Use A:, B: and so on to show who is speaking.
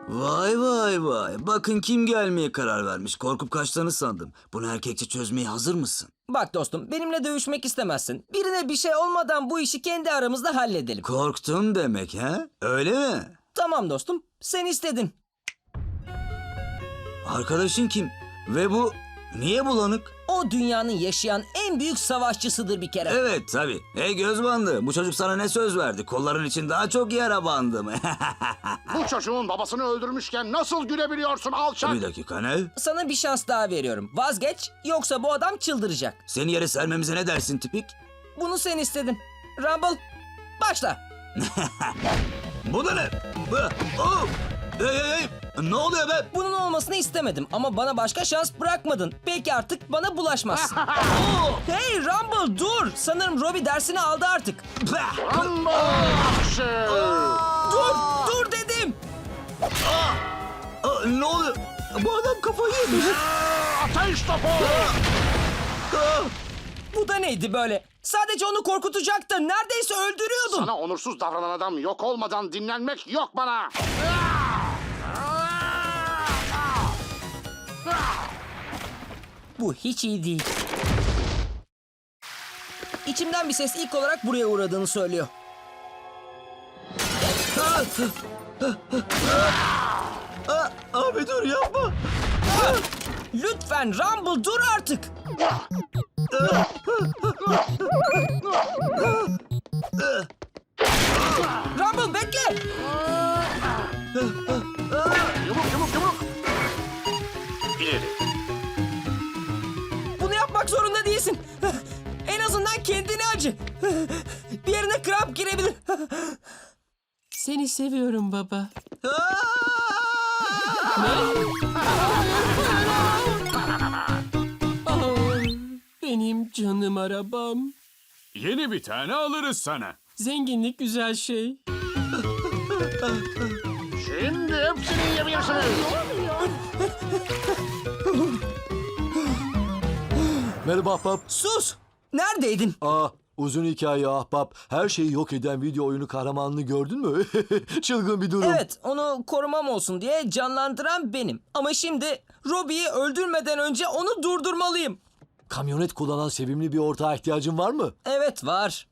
A: Vay vay vay. Bakın kim gelmeye karar vermiş. Korkup kaçtığını sandım. Bunu erkekçe çözmeye hazır mısın?
B: Bak dostum, benimle dövüşmek istemezsin. Birine bir şey olmadan bu işi kendi aramızda halledelim.
A: Korktun demek ha? Öyle mi?
B: Tamam dostum, sen istedin.
A: Arkadaşın kim? Ve bu niye bulanık?
B: O dünyanın yaşayan en büyük savaşçısıdır bir kere.
A: Evet tabii. Hey göz bandı. Bu çocuk sana ne söz verdi? Kolların için daha çok yara bandı mı?
C: Bu çocuğun babasını öldürmüşken nasıl gülebiliyorsun alçak?
A: Bir dakika ne?
B: Sana bir şans daha veriyorum. Vazgeç, yoksa bu adam çıldıracak.
A: Seni yere sermemize ne dersin tipik?
B: Bunu sen istedin. Rumble, başla.
A: Bu da ne? Oh! Hey hey hey! Ne oluyor be?
B: Bunun olmasını istemedim ama bana başka şans bırakmadın. Belki artık bana bulaşmazsın. Hey Rumble dur. Sanırım Robbie dersini aldı artık.
A: Bah!
C: Rumble akşı!
B: Dur dedim.
A: Ne oluyor? Bu adam kafayı yemiş.
C: Ateş topu!
B: Bu da neydi böyle? Sadece onu korkutacaktın. Neredeyse öldürüyordun.
C: Sana onursuz davranan adam yok olmadan dinlenmek yok bana.
B: Bu hiç iyi değil. İçimden bir ses ilk olarak buraya uğradığını söylüyor.
A: Abi dur yapma.
B: Lütfen Rumble dur artık. Rumble bekle.
C: Yumruk yumruk yumruk! İleri.
B: Bunu yapmak zorunda değilsin. En azından kendini acı. Bir yerine kramp girebilir.
D: Seni seviyorum baba. Oh, benim canım arabam.
E: Yeni bir tane alırız sana.
D: Zenginlik güzel şey.
C: Şimdi hepsini yiyebilirsiniz.
F: Merhaba ahbap.
B: Sus. Neredeydin?
F: Uzun hikaye ahbap. Her şeyi yok eden video oyunu kahramanını gördün mü? Çılgın bir durum.
B: Evet, onu korumam olsun diye canlandıran benim. Ama şimdi Robbie'yi öldürmeden önce onu durdurmalıyım.
F: Kamyonet kullanan sevimli bir ortağa ihtiyacın var mı?
B: Evet, var.